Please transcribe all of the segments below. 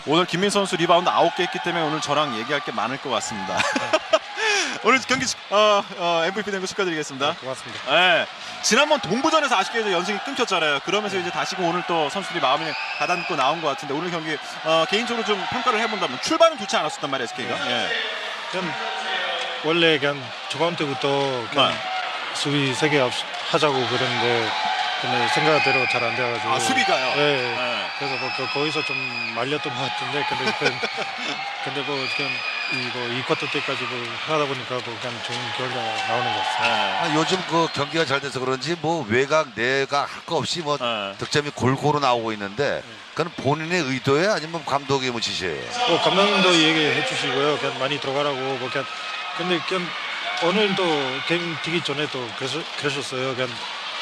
오늘 김민수 선수 리바운드 9개 했기 때문에 오늘 저랑 얘기할 게 많을 것 같습니다. 오늘 경기 MVP 된 거 축하드리겠습니다. 네, 고맙습니다. 네, 지난번 동부전에서 아쉽게 연승이 끊겼잖아요. 그러면서 이제 다시금 오늘 또 선수들이 마음을 가다듬고 나온 것 같은데 오늘 경기 개인적으로 좀 평가를 해본다면 출발은 좋지 않았었단 말이에요, SK가. 예. 그냥 원래 그냥 초반 때부터 그냥 수비 3개 하자고 그랬는데 근데 생각대로 잘 안 돼가지고. 아, 수비가요? 네. 네. 그래서 뭐 거기서 좀 말렸던 것 같은데 근데 뭐 그냥 이 쿼터 때까지 뭐 하다 보니까 뭐 그냥 좋은 결과가 나오는 것 같습니다. 네. 요즘 그 경기가 잘 돼서 그런지 뭐 외곽 내각 할 거 없이 뭐 득점이 골고루 나오고 있는데 그건 본인의 의도예요? 아니면 감독의 뭐 지시예요? 감독님도 얘기해 주시고요. 그냥 많이 들어가라고 뭐 그냥 근데 그냥 오늘도 게임 뛰기 전에 또 그러셨어요. 그냥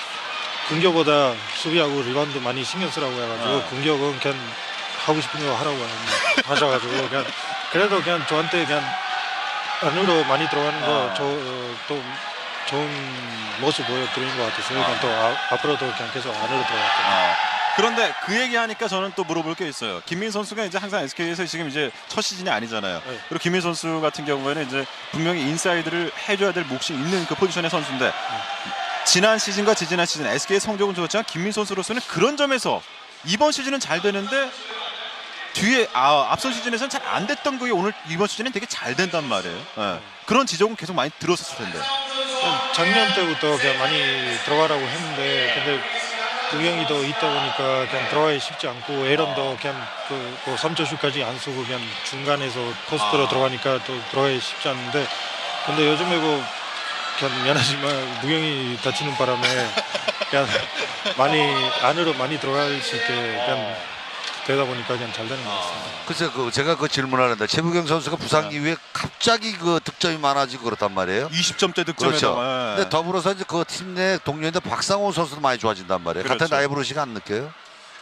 공격보다 수비하고 리바운드 많이 신경 쓰라고 해가지고 공격은 그냥 하고 싶은 거 하라고 하셔가지고 그냥 그래도 그냥 저한테 그냥 안으로 많이 들어가는 거 또 좋은 모습 보여드리는 것 같아서요. 그냥 또 앞으로도 그냥 계속 안으로 들어갈게요. 그런데 그 얘기하니까 저는 또 물어볼 게 있어요. 김민 선수가 이제 항상 SK에서 지금 이제 첫 시즌이 아니잖아요. 네. 그리고 김민 선수 같은 경우에는 이제 분명히 인사이드를 해줘야 될 몫이 있는 그 포지션의 선수인데 지난 시즌과 지지난 시즌 SK의 성적은 좋았지만 김민 선수로서는 그런 점에서 이번 시즌은 잘 되는데 뒤에 앞선 시즌에서는 잘 안 됐던 그게 오늘 이번 시즌은 되게 잘 된단 말이에요. 네. 그런 지적은 계속 많이 들었었을 텐데. 작년 때부터 그냥 많이 들어가라고 했는데 근데 구경이도 있다 보니까 그냥 들어가기 쉽지 않고 에런도 그냥 그 3점슛까지 안 쏘고 그냥 중간에서 포스트로 들어가니까 또 들어가기 쉽지 않는데 근데 요즘에 뭐 그냥 미안하지만 무경이 다치는 바람에 그냥 안으로 많이 들어갈 수 있게 그냥 되다 보니까 그냥 잘 되는 것 같습니다. 글쎄 제가 그 질문하는데 최부경 선수가 부상 이후에 갑자기 그 득점이 많아지고 그렇단 말이에요. 20점대 득점에다가. 그렇죠. 근데 더불어서 이제 그 팀 내 동료인데 박상호 선수도 많이 좋아진단 말이에요. 그렇죠. 같은 라이브러시가 안 느껴요?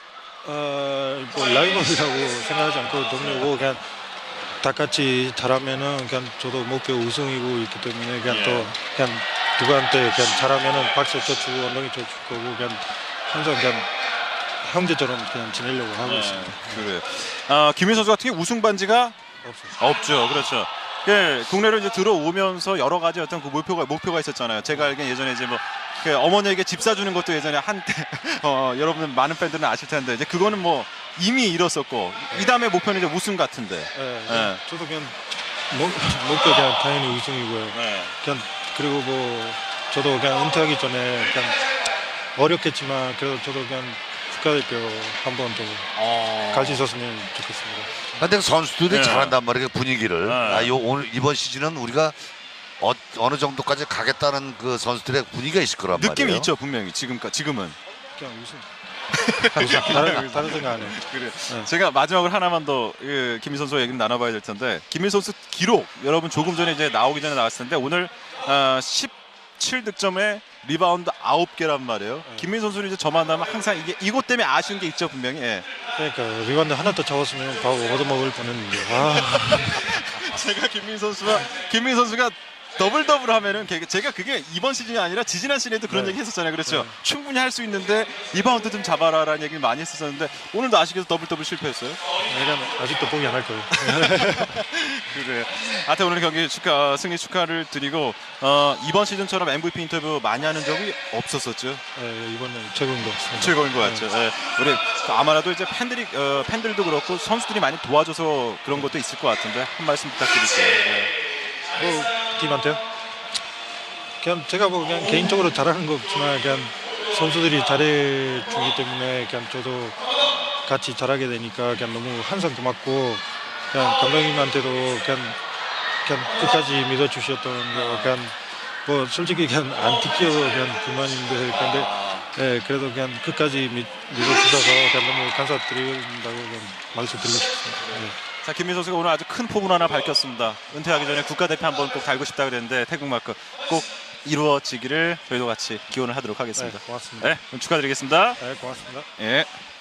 뭐 라이벌이라고 생각하지 않고 동료고 그냥 다 같이 잘하면은 그냥 저도 목표 우승이고 있기 때문에 그냥 또 그냥 누구한테 그냥 잘하면은 박수 쳐주고 엉덩이 쳐줄 거고 그냥 항상 그냥 형제처럼 그냥 지내려고 하고 있습니다. 그래. 김민 선수 같은 경우 우승 반지가 없죠. 그렇죠. 예, 국내로 이제 들어오면서 여러 가지 어떤 그 목표가 있었잖아요. 제가 알기엔 예전에 이제 뭐 어머니에게 집 사주는 것도 예전에 한때 여러분 많은 팬들은 아실 텐데 이제 그거는 뭐 이미 이뤘었고 이 다음에 목표는 이제 우승 같은데. 네. 저도 그냥 목표 그냥 당연히 우승이고요. 그냥 그리고 뭐 저도 그냥 은퇴하기 전에 그냥 어렵겠지만 그래도 저도 그냥 국가대표 한 번 더 갈 수 있었으면 좋겠습니다. 근데 선수들이 잘한단 말이에요, 분위기를. 오늘 이번 시즌은 우리가 어느 정도까지 가겠다는 그 선수들의 분위기가 있을 거란 말이에요. 느낌이 있죠, 분명히 지금은. 그냥 우승. 다른 생각 안 해요. 그래. 제가 마지막으로 하나만 더 김민 선수 얘기를 나눠봐야 될 텐데 김민 선수 기록 여러분 조금 전에 이제 나오기 전에 나왔을 텐데 오늘 17득점에 리바운드 9개란 말이에요. 김민 선수는 이제 저만 하면 항상 이것 때문에 아쉬운 게 있죠, 분명히. 그러니까 리바운드 하나 더 잡았으면 바로 얻어먹을 뻔했는데. 제가 김민 선수가 더블 하면은 제가 그게 이번 시즌이 아니라 지지난 시즌에도 그런 얘기 했었잖아요. 그렇죠. 충분히 할 수 있는데 리바운드 좀 잡아라라는 얘기를 많이 했었는데 오늘도 아쉽게도 더블 실패했어요. 내가 아직도 포기 안 할 거예요. 그래. 하여튼 오늘 경기 승리 축하를 드리고 이번 시즌처럼 MVP 인터뷰 많이 하는 적이 없었었죠. 네, 이번엔 최고인 것 같습니다. 최고인 것 같죠. 네. 우리 아마도 이제 팬들도 그렇고 선수들이 많이 도와줘서 그런 것도 있을 것 같은데 한 말씀 부탁드릴게요. 뭐 팀한테요? 그냥 제가 뭐 그냥 개인적으로 잘하는 거 없지만 그냥 선수들이 잘해주기 때문에 그냥 저도 같이 잘하게 되니까 그냥 너무 항상 고맙고 그냥 감독님한테도 그냥 끝까지 믿어주셨던 거 그냥 뭐 솔직히 그냥 안 뛰겨서 그냥 불만인데 근데 그래도 그냥 끝까지 믿어주셔서 그냥 너무 감사드린다고 그냥 말씀드리고 싶습니다. 자, 김민 선수가 오늘 아주 큰 포부 하나 밝혔습니다. 은퇴하기 전에 국가대표 한번 꼭 달고 싶다 그랬는데 태국마크 꼭 이루어지기를 저희도 같이 기원을 하도록 하겠습니다. 네, 고맙습니다. 네, 축하드리겠습니다. 네, 고맙습니다. 예.